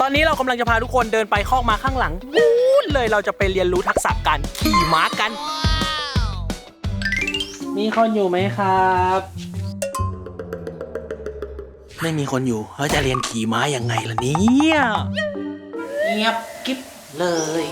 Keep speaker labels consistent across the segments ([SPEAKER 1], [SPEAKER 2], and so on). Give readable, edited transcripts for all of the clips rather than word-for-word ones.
[SPEAKER 1] อนนี้เรากำลังจะพาทุกคนเดินไปคอกม้าข้างหลังวู้นเลยเราจะไปเรียนรู้ทักษะการขี่ม้ากันมีคนอยู่ไหมครับไม่มีคนอยู่เขาจะเรียนขี่ม้ายังไงล่ะเนี่ยเงียบกิ๊บเลย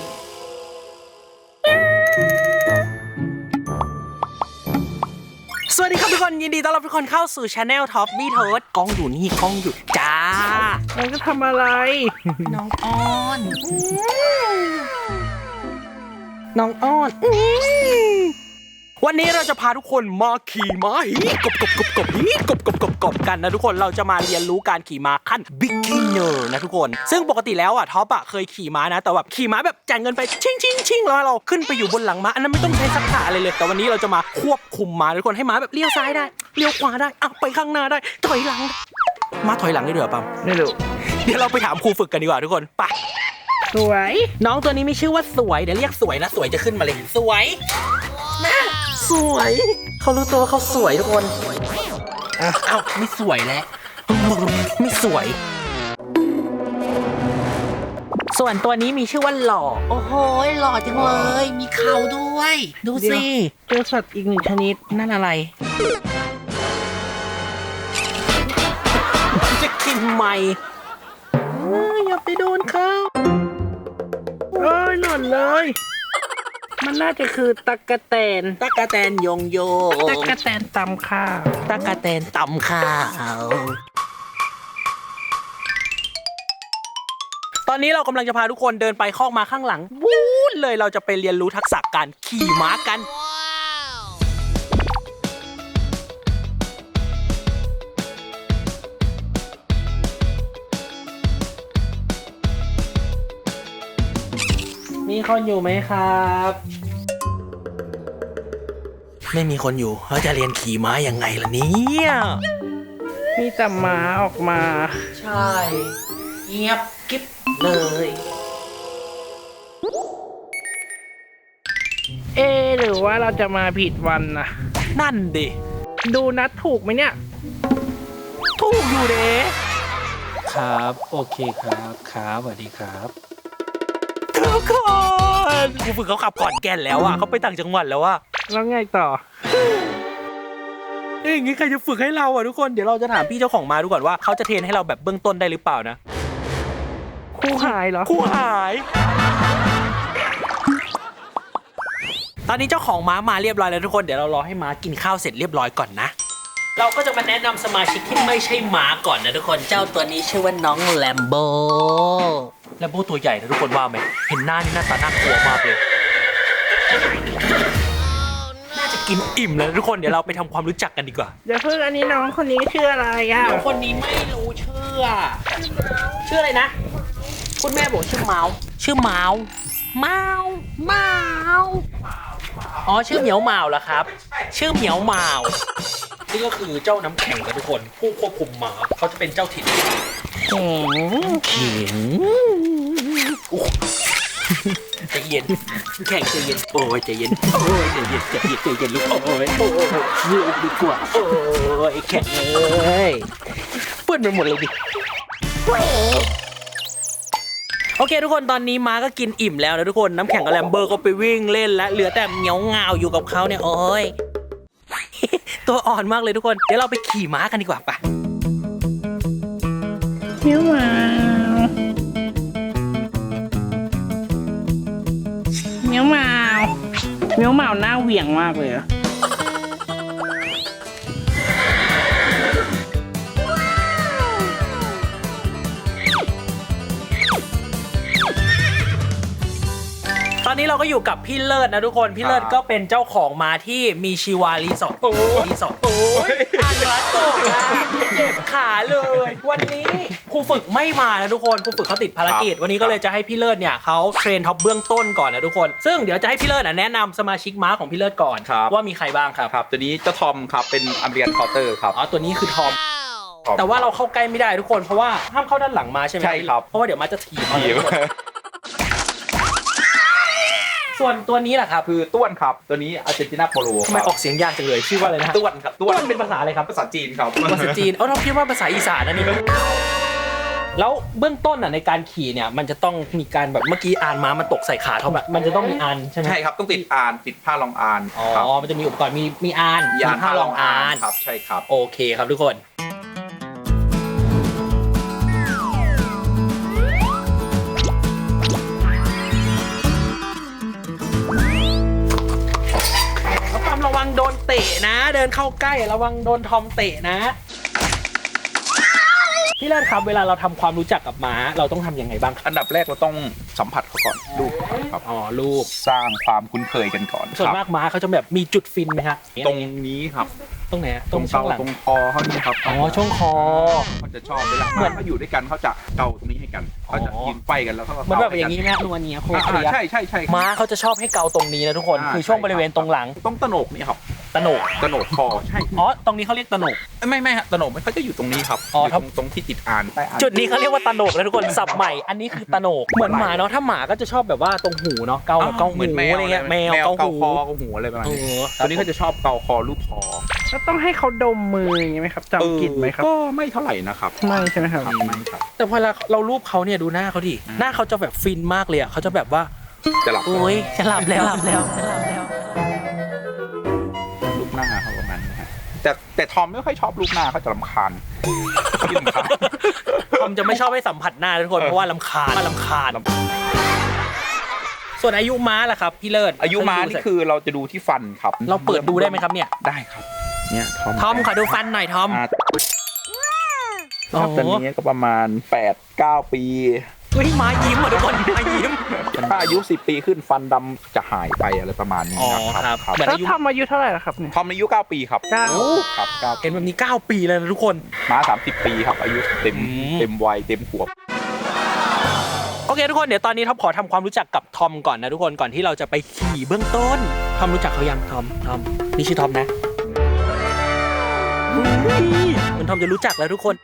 [SPEAKER 1] สวัสดีครับทุกคนยินดีต้อนรับทุกคนเข้าสู่ช anel ท็อปบี้เทิร์ดกล้องอยู่นี่กล้องอยู่จ้า
[SPEAKER 2] เราจะทำอะไร
[SPEAKER 1] น้องอ้อนน้องอ้อนวันนี้เราจะพาทุกคนมาขี่ม้าฮีกบกันนะทุกคนเราจะมาเรียนรู้การขี่ม้าขั้น beginner นะทุกคนซึ่งปกติแล้วท็อปเคยขี่ม้านะแต่แบบขี่ม้าแบบจ่ายเงินไปชิ่งแล้วเราขึ้นไปอยู่บนหลังม้าอันนั้นไม่ต้องใช้ทักษะอะไรเลยแต่วันนี้เราจะมาควบคุมม้าทุกคนให้ม้าแบบเลี้ยวซ้ายได้เลี้ยวขวาได้ไปข้างหน้าได้ถอยหลังม้าถอยหลังได้ด้วยปั๊ม
[SPEAKER 2] ไม่รู้
[SPEAKER 1] เดี๋ยวเราไปถามครูฝึกกันดีกว่าทุกคนไป
[SPEAKER 2] สวย
[SPEAKER 1] น้องตัวนี้มีชื่อว่าสวยเดี๋ยวเรียกสวยนะสวยจะขึ้นมาเลยสวยสวยเขารู้ตัวเขาสวยทุกคนไม่สวยแล้วไม่สวยส่วนตัวนี้มีชื่อว่าหล่อโอ้โหหล่อจังเลยมีเขาด้วยดูสิ
[SPEAKER 2] เจอสัตว์อีกหนึ่งชนิด
[SPEAKER 1] นั่นอะไรจะกินไหมอย่าไปโดนเขา
[SPEAKER 2] หล่นเลยมันน่าจะคือตั๊กแตน
[SPEAKER 1] โยง
[SPEAKER 2] ตั๊กแตนตำข้าว
[SPEAKER 1] ตั๊กแตนตำข้าวตอนนี้เรากำลังจะพาทุกคนเดินไปคอกม้าข้างหลังวู้นเลยเราจะไปเรียนรู้ทักษะการขี่ม้ากันมีคนอยู่ไหมครับไม่มีคนอยู่เขาจะเรียนขี่ม้ายังไงล่ะเนี่ย
[SPEAKER 2] มีแต่ม้าออกมา
[SPEAKER 1] ใช่เงียบกิ๊บเลย
[SPEAKER 2] หรือว่าเราจะมาผิดวันนะ
[SPEAKER 1] นั่นดิ
[SPEAKER 2] ดูนัดถูกไหมเนี่ย
[SPEAKER 1] ถูกอยู่เด้
[SPEAKER 3] ครับโอเคครับสวัสดีครับ
[SPEAKER 1] ทุกคนครูฝึกเขาขับก่อนแก่นแล้วเขาไปต่างจังหวัดแล้ว
[SPEAKER 2] แล้วไงต่อ
[SPEAKER 1] อย่างงี้ใครจะฝึกให้เราทุกคนเดี๋ยวเราจะถามพี่เจ้าของม้าดูก่อนว่าเขาจะเทรนให้เราแบบเบื้องต้นได้หรือเปล่านะ
[SPEAKER 2] ครูหายเหรอ
[SPEAKER 1] ครูหายตอนนี้เจ้าของม้ามาเรียบร้อยแล้วทุกคนเดี๋ยวเรารอให้ม้ากินข้าวเสร็จเรียบร้อยก่อนนะเราก็จะมาแนะนำสมาชิกที่ไม่ใช่ม้าก่อนนะทุกคนเจ้าตัวนี้ชื่อว่าน้องแลมโบตัวใหญ่นะทุกคนว่าไหมเห็นหน้านี่หน้าตาน่ากลัวมากเลยน่าจะกินอิ่มแล้วทุกคนเดี๋ยวเราไปทำความรู้จักกันดีกว่า
[SPEAKER 2] เดี๋ยวเพิ่งอันนี้น้องคนนี้ชื่ออะไร
[SPEAKER 1] น้องคนนี้ไม่รู้ชื่ออะไรนะคุณแม่บอกชื่อเมาอ๋อชื่อเหมียวเมาเหรอครับชื่อเหมียวเมานี่ก็คือเจ้าน้ำแข็งนะทุกคนผู้ควบคุมม้าเขาจะเป็นเจ้าถิ่นแข็งใจเย็นแข็งใจเย็นโอ้ยใจเย็นโอ้ยใจเย็นลูกโอ้ยยืดดีกว่าโอ้ยแข็งเลยเปื้อนไปหมดเลยดิโอเคทุกคนตอนนี้ม้าก็กินอิ่มแล้วนะทุกคนน้ำแข็งกับแลมเบอร์ก็ไปวิ่งเล่นและเหลือแต่เหมียวเงาอยู่กับเขาเนี่ยโอ้ยตัวอ่อนมากเลยทุกคนเดี๋ยวเราไปขี่ม้ากันดีกว่าปะ
[SPEAKER 2] เหมียวเมาหน้าเหวี่ยงมากเลย
[SPEAKER 1] ตอนนี้เราก็อยู่กับพี่เลิศนะทุกคนพี่เลิศก็เป็นเจ้าของม้าที่มีชีวารีสอร์ทอันรัตโตเจ็บขาเลยวันนี้ครูฝึกไม่มานะทุกคนครูฝึกเขาติดภารกิจวันนี้ก็เลยจะให้พี่เลิศเนี่ยเขาเทรนท็อปเบื้องต้นก่อนนะทุกคนซึ่งเดี๋ยวจะให้พี่เลิศแนะนำสมาชิกม้าของพี่เลิศก่อนว่ามีใครบ้างครับ
[SPEAKER 3] ตัวนี้เจ้าทอมครับเป็นอเมริกันคอร์เตอร์ครับ
[SPEAKER 1] ตัวนี้คือทอมแต่ว่าเราเข้าใกล้ไม่ได้ทุกคนเพราะว่าห้ามเข้าด้านหลังม้าใช่ไหม
[SPEAKER 3] ใช่ครับ
[SPEAKER 1] เพราะว่าเดี๋ยวม้าจะถีบส่วนตัวนี้แหละครับ
[SPEAKER 3] คือต้วนครับตัวนี้อาร์เจนตินาโปโล
[SPEAKER 1] ทำไมออกเสียงยากจังเลยชื่อว่าอะไรนะ
[SPEAKER 3] ต้วนครับ
[SPEAKER 1] ต้วนเป็นภาษาอะไรครับ
[SPEAKER 3] ภาษาจีนครับ
[SPEAKER 1] ภาษาจีนเราคิดว่าภาษาอีสานนะนี่แล้วเบื้องต้นในการขี่เนี่ยมันจะต้องมีการแบบเมื่อกี้อานม้ามันตกใส่ขาเขาแบบมันจะต้องมีอานใช่ไหม
[SPEAKER 4] ใช่ครับต้องติดอานติดผ้ารองอาน
[SPEAKER 1] อ๋อ
[SPEAKER 4] ครับ
[SPEAKER 1] มันจะมีอุปกรณ์มีอาน
[SPEAKER 4] ยาน
[SPEAKER 1] ผ้ารองอาน
[SPEAKER 4] ครับใช่ครับ
[SPEAKER 1] โอเคครับทุกคนทอมระวังโดนเตะนะ เดินเข้าใกล้ระวังโดนทอมเตะนะพี่เลิศครับเวลาเราทำความรู้จักกับม้าเราต้องทำยังไงบ้างครับ
[SPEAKER 4] อันดับแรกเราต้องสัมผัสเขาก่อนลูกครับ
[SPEAKER 1] อ๋อลูก
[SPEAKER 4] สร้างความคุ้นเคยกันก่อน
[SPEAKER 1] ส่วน
[SPEAKER 4] ครับ
[SPEAKER 1] มากม้าเขาจะแบบมีจุดฟินไหมฮะ
[SPEAKER 4] ตรงนี้ครับ
[SPEAKER 1] ตรงไหนอะ
[SPEAKER 4] ตรง
[SPEAKER 1] ช่
[SPEAKER 4] เกาว
[SPEAKER 1] งหลัง
[SPEAKER 4] ตรงคอเขานี่ครับ
[SPEAKER 1] อ๋อช่วงคอ
[SPEAKER 4] เขาจะชอบเวลา
[SPEAKER 1] เหมือน
[SPEAKER 4] เขาอยู่ด้วยกันเขาจะเกาตรงนี้ให้กันเขาจะ
[SPEAKER 1] อ๋อ
[SPEAKER 4] ยืนไฟกันแล้วเขาก็
[SPEAKER 1] เหมือนแบบ
[SPEAKER 4] เก
[SPEAKER 1] อย่างนี้ไหมฮะนัวเนียโค
[SPEAKER 4] อ่า
[SPEAKER 1] เรีย
[SPEAKER 4] ใช่ใช่ใช่ครับ
[SPEAKER 1] ม้าเขาจะชอบให้เกาตรงนี้นะทุกคน คือช่วงบริเวณตรงหลัง
[SPEAKER 4] ต้องตะโหนกนี่ครับ
[SPEAKER 1] ตะโหนก
[SPEAKER 4] ตะโหนกคอใช่
[SPEAKER 1] อ๋อตรงนี้เขาเรียกตะโหนก
[SPEAKER 4] ไม่ฮะตะโหนกมันเขาจะอยู่ตรงนี้ครับ
[SPEAKER 1] อ๋อ
[SPEAKER 4] อยู่
[SPEAKER 1] ครับ
[SPEAKER 4] ตรงที่ติดอานใต้อาน
[SPEAKER 1] จุดนี้เขาเรียกว่าตะโหนกนะทุกคนสับใหม่อันนี้คือตะโหนกเหมือนหมาเนาะถ้าหมาก็จะชอบแบบว่าตรงหูเนาะเกาแบบเกาหู
[SPEAKER 4] เหมือนแมว
[SPEAKER 1] อะไรเงี้ยแมวเกาหู
[SPEAKER 4] คอเกาหูอะไรประมาณ
[SPEAKER 1] เอ
[SPEAKER 4] นี้
[SPEAKER 1] อ
[SPEAKER 4] ตัวนี้เขาจะชอบเกาคอลูกคอ
[SPEAKER 2] แล้วต้องให้เขาดมมืออย่างงี้ไหมครับจำกลิ่นไหมครับ
[SPEAKER 4] ก็ไม่เท่าไหร่นะครับ
[SPEAKER 2] ไม่ใช่ไหมครับ
[SPEAKER 4] ไม่ครับ
[SPEAKER 1] แต่พอเรารูปเขาเนี่ยดูหน้าเขาดิหน้าเขาจะแบบฟินมากเลยอ่ะเขาจะแบบว่า
[SPEAKER 4] จะหลับ
[SPEAKER 1] โอ้ยจะหลับแล้วหลับแล้วจะหลับแล้ว
[SPEAKER 4] ลูกหน้าเขาประมาณนี้ฮะแต่ทอมไม่ค่อยชอบลูกหน้าเขาจะรำคาญที่รำคาญ
[SPEAKER 1] ทอมจะไม่ชอบให้สัมผัสหน้าทุกคนเพราะว่าลำคาญส่วนอายุม้าล่ะครับพี่เลิศ
[SPEAKER 4] อายุม้านี่คือเราจะดูที่ฟันครับ
[SPEAKER 1] เราเปิดดูได้ไหมครับเนี่ย
[SPEAKER 4] ได้ครับ เนี่ยทอม
[SPEAKER 1] ทอมขอดูฟันหน่อยทอม
[SPEAKER 4] ครับตอนนี้ก็ประมาณ 8-9 ปี
[SPEAKER 1] เฮ้ยม้ายิ้มอ่ะทุกคนม้ายิ้ม
[SPEAKER 4] ถ้าอายุ 10 ปีขึ้นฟันดำจะหายไปอะไรประมาณนี้
[SPEAKER 1] อ๋อ
[SPEAKER 4] นะครับ
[SPEAKER 1] ครับเหมือน
[SPEAKER 2] แล้ว
[SPEAKER 1] อายุ
[SPEAKER 2] ทำอายุเท่าไหร่ล่ะครับเนี่ย
[SPEAKER 4] ทอมอายุ 9 ปีครับ
[SPEAKER 2] เก้า
[SPEAKER 4] ครับ9
[SPEAKER 1] เห็นแบบนี้9 ปีเลยนะทุกคน
[SPEAKER 4] ม้า 30 ปีครับ อายุเต็ม
[SPEAKER 1] อืม
[SPEAKER 4] เต็มวัยเต็มขวบ
[SPEAKER 1] โอเคทุกคนเดี๋ยวตอนนี้ท็อปขอทำความรู้จักกับทอมก่อนนะทุกคนก่อนที่เราจะไปขี่เบื้องต้นทอมรู้จักเขายังทอมนี่ชื่อทอมนะเหมือนทอมจะรู้จักแล้วทุกคน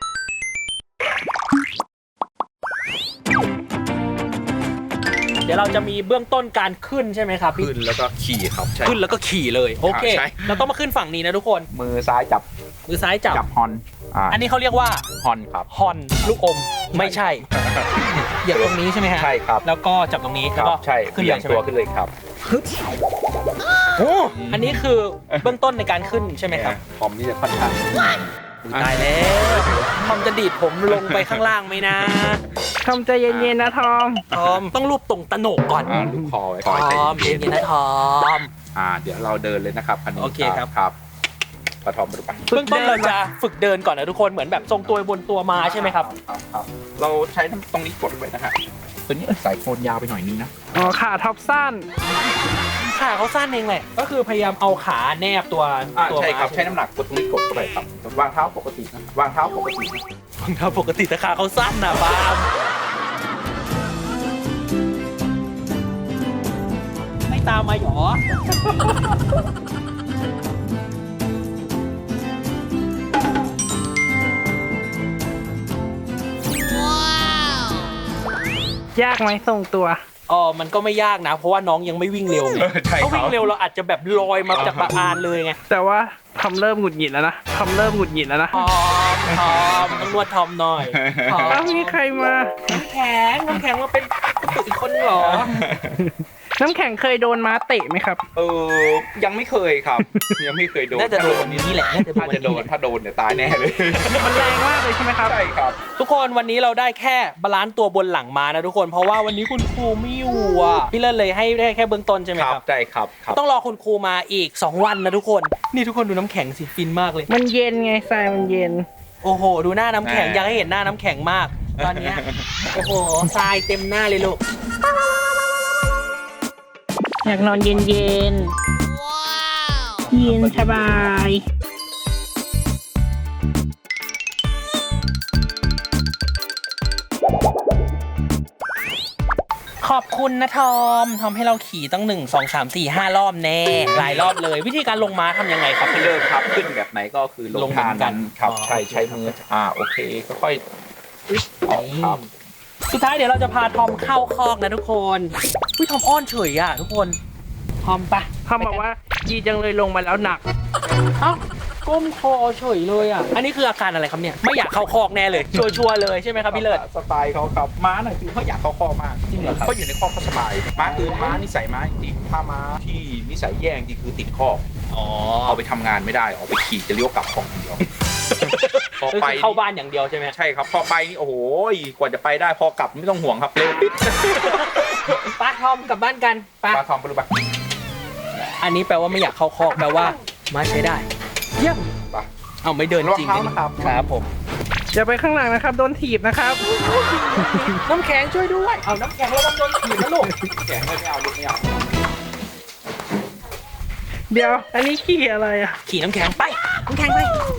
[SPEAKER 1] เดี๋ยวเราจะมีเบื้องต้นการขึ้นใช่ไหมครับพี่
[SPEAKER 4] ขึ้นแล้วก็ขี่ครับใช่
[SPEAKER 1] ขึ้นแล้วก็ขี่เลยโอเค
[SPEAKER 4] ใช่
[SPEAKER 1] เราต้องมาขึ้นฝั่งนี้นะทุกคน
[SPEAKER 4] มือซ้ายจับ
[SPEAKER 1] มือซ้ายจับ
[SPEAKER 4] ฮอน
[SPEAKER 1] อันนี้เขาเรียกว่า
[SPEAKER 4] ฮอนครับ
[SPEAKER 1] ฮอนลูกอมไม่ใช่เหยียบตรงนี้ใช่ไหมฮะ
[SPEAKER 4] ใช่ครับ
[SPEAKER 1] แล้วก็จับตรงนี้
[SPEAKER 4] ค
[SPEAKER 1] แล้ว
[SPEAKER 4] รับ
[SPEAKER 1] ก็
[SPEAKER 4] ใช่
[SPEAKER 1] ขึ้น
[SPEAKER 4] เบี่
[SPEAKER 1] เลย ย
[SPEAKER 4] ง
[SPEAKER 1] ใช่ไห
[SPEAKER 4] ตั
[SPEAKER 1] ม
[SPEAKER 4] วขึ้นเลยครับ
[SPEAKER 1] โอ้อันนี้คือเบื้องต้นในการขึ้นใช่ไหมครับ
[SPEAKER 4] ทอมนี่จะค่อนข้าง
[SPEAKER 1] ตายแล้วทอมจะดีดผมลงไปข้างล่างไหมนะ
[SPEAKER 2] ทำใจเย็นๆนะทอม
[SPEAKER 1] ทอมต้องรูปตรงตะโหนกก่อน
[SPEAKER 4] ลูกคอไว้
[SPEAKER 1] ท
[SPEAKER 4] คอยใจ
[SPEAKER 1] อม
[SPEAKER 4] เย็
[SPEAKER 1] เย็
[SPEAKER 4] น
[SPEAKER 1] นๆนะทอม
[SPEAKER 4] เดี๋ยวเราเดินเลยนะครับคันนี้
[SPEAKER 1] โอเคครับ
[SPEAKER 4] ครับปะทอมไปดูไป
[SPEAKER 1] เบื้องต้นเราจะฝึกเดินก่อนนะทุกคนเหมือนแบบทรงตัวบนตัวมาใช่ไหมครับ
[SPEAKER 4] ครับเราใช้ตรงนี้กดไว้นะฮะตัวนี้สายโคนยาวไปหน่อยนึงนะ
[SPEAKER 2] อ๋อขาท็อปสั้น
[SPEAKER 1] ขาเขาสั้นเองแหละก็คือพยายามเอาขาแนบตัว
[SPEAKER 4] ใช่ครับ
[SPEAKER 1] ม้า
[SPEAKER 4] ใช้น้ำหนักกดตรงนี้กดเข้าไปครับวางเท้าปกตินะวางเท้าปกตินะ
[SPEAKER 1] รองเท้าปกติแต่ขาเขาสั้นนะบามไม่ตามมาหรอ
[SPEAKER 2] ยากไหมทรงตัว
[SPEAKER 1] อ๋อมันก็ไม่ยากนะ เพราะว่าน้องยังไม่วิ่งเร็วไง
[SPEAKER 4] ใช่
[SPEAKER 1] ถ้า
[SPEAKER 4] ครั
[SPEAKER 1] วิ่
[SPEAKER 4] บ
[SPEAKER 1] งเร็วเราอาจจะแบบลอยมาจากบาอานเลยไง
[SPEAKER 2] แต่ว่าทำเริ่มหงุดหงิดแล้วนะทำเริ่มหงุดหงิดแล้วนะ
[SPEAKER 1] ทอมต้องนวดทอมหน่อยทอม
[SPEAKER 2] อ้าวมีใครมา
[SPEAKER 1] น้ำแข็งมาเป็นอีกคนเหรอ
[SPEAKER 2] น้ำแข็งเคยโดนม้าเตะไหมครับ
[SPEAKER 4] ยังไม่เคยครับ ยังไม่เคยโดน
[SPEAKER 1] น่าจะโดนวันนี้แหละน่าจะ
[SPEAKER 4] ถ้าจะโดนถ้าโดนเนี่ยตายแน่เลย
[SPEAKER 2] มันแรงมากเลยใช่ไหมครับ
[SPEAKER 4] ใช่ครับ
[SPEAKER 1] ทุกคนวันนี้เราได้แค่บาลานซ์ตัวบนหลังมานะทุกคนเพราะว่าวันนี้คุณครูไม่อยู่อ่ะพี่เลิศเลยให้ได้แค่เบื้องต้นใช่ไหมครับ
[SPEAKER 4] ใช่ครับครับ
[SPEAKER 1] ต้องรอคุณครูมาอีก 2 วันนะทุกคนนี่ทุกคนดูน้ำแข็งสิฟินมากเลย
[SPEAKER 2] มันเย็นไงทรายมันเย็น
[SPEAKER 1] โอ้โห ดูหน้าน้ำแข็งอยากให้เห็นหน้าน้ำแข็งมาก ตอนเนี้ยโอ้โหทรายเต็มหน้าเลยลูก
[SPEAKER 2] อยากนอนเย็นๆเย็นสบาย
[SPEAKER 1] ขอบคุณนะทอมทำให้เราขี่ตั้ง1 2 3 4 5 รอบแน่หลายรอบเลย วิธีการลงม้าทำยังไงครับพี่
[SPEAKER 4] เลิกครับขึ้นแบบไหนก็คือล
[SPEAKER 1] ล
[SPEAKER 4] ง
[SPEAKER 1] งเหมื
[SPEAKER 4] ทา
[SPEAKER 1] อน นกัน
[SPEAKER 4] ครับ
[SPEAKER 1] อ๋อ
[SPEAKER 4] ใช่ใช้มือโอเคก็ค่อยออกครับ
[SPEAKER 1] สุดท้ายเดี๋ยวเราจะพาทอมเข้าคอกนะทุกคนอุ้ยทอมอ้อนเฉยอ่ะทุกคนทอมปะ
[SPEAKER 2] ทอมบอกว่าดีจังเลยลงมาแล้วหนัก
[SPEAKER 1] เอ้าก้มคอเฉยเลยอ่ะอันนี้คืออาการอะไรครับเนี่ยไม่อยากเข้าคอกแน่เลยชัวร์ๆเลยใช่ไหมครับพี่เลิศ
[SPEAKER 4] สไตล์เขาครับม้าหน่อยคือเขาอยากเข้าคอกมาก
[SPEAKER 1] จริงเหรอครับ
[SPEAKER 4] เขาอยู่ในคอกเขาสบายม้าคือม้านิสัยม้าจริงถ้าม้าที่นิสัยแย่จริงคือติดคอก
[SPEAKER 1] อ๋อ
[SPEAKER 4] เอาไปทำงานไม่ได้เอาไปขี่จะเลี้ยวกลับคอกอย่างเดียวพอ
[SPEAKER 1] ก็
[SPEAKER 4] ไป
[SPEAKER 1] คือเข้าบ้านอย่างเดียวใช่ไหม
[SPEAKER 4] ใช่ครับพอไปนี่โอ้โหกว่าจะไปได้พอกลับไม่ต้องห่วงครับเร็วปิด
[SPEAKER 1] ป้าทอมกลับบ้านกันป้า
[SPEAKER 4] ปลาทองปลาลูกปลา
[SPEAKER 1] อันนี้แปลว่าไม่อยากเข้าคอกแปลว่ามาใช้ได้เยี่ยม
[SPEAKER 4] ปลา
[SPEAKER 1] เอาไม่เดินจริง
[SPEAKER 4] ระวังเท้านะครับ
[SPEAKER 1] ครับผม
[SPEAKER 2] อย่าไปข้างหลังนะครับ โดนถีบนะครับ
[SPEAKER 1] น้ำแข็งช่วยด้วยเอาน้ำแข็งระวังโดนถีบนะลูก
[SPEAKER 4] แกไม่เอาลูกไม่เอา
[SPEAKER 2] เดี๋ยว อันนี้ขี่อะไรอ่ะ
[SPEAKER 1] ขี่น้ำแข็งไปน้ำแข็งไป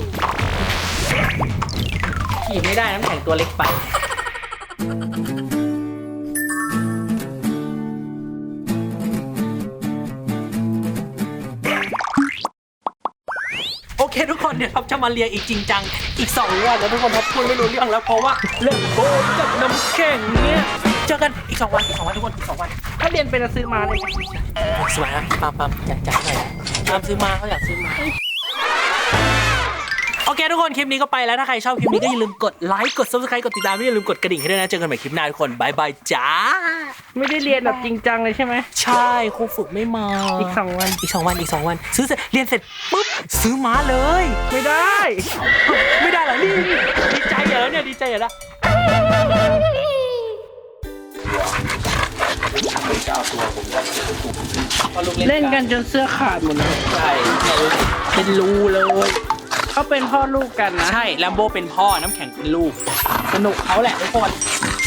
[SPEAKER 1] ขี่ไม่ได้น้ำแข็งตัวเล็กไปโอเคทุกคนเนี่ยครับจะมาเรียนอีกจริงจังอีก2 วันแล้วทุกคนครับพูดไม่รู้เรื่องแล้วเพราะว่าเรื่องโบกับน้ำแข็งเนี่ยเจอกันอีก2 วันทุกคนอีก2 วัน
[SPEAKER 2] ถ้าเรียนเป็นจะซื้อมาเลย
[SPEAKER 1] สวยนะปั๊มอยากจัดหน่อยตามซื้อมาเขาอยากซื้อมาโอเคทุกคนคลิปนี้ก็ไปแล้วถ้าใครชอบคลิปนี้ก็อย่าลืมกดไลค์กด subscribe กดติดตามอย่าลืมกดกระดิ่งให้ด้วยนะเจอกันใหม่คลิปหน้าทุกคนบายบายจ้า
[SPEAKER 2] ไม่ได้เรียนแบบจริงจังเลยใช่ไหม
[SPEAKER 1] ใช่ครูฝึกไม่มา
[SPEAKER 2] อีก 2 วัน
[SPEAKER 1] อีก2 วันซื้อเสร็จเรียนเสร็จปุ๊บซื้อม้าเลย
[SPEAKER 2] ไม่ได้
[SPEAKER 1] ไม่ได้เหรอนี่ดีใจเหรอเนี่ยดีใจเหรอละ
[SPEAKER 2] เล่นกันจนเสื้อขาดหมดเลย
[SPEAKER 1] ใช่เป็นรูเลย
[SPEAKER 2] เขาเป็นพ่อลูกกันนะ
[SPEAKER 1] ใช่แลมโบเป็นพ่อน้ำแข็งเป็นลูกสนุกเขาแหละทุกคน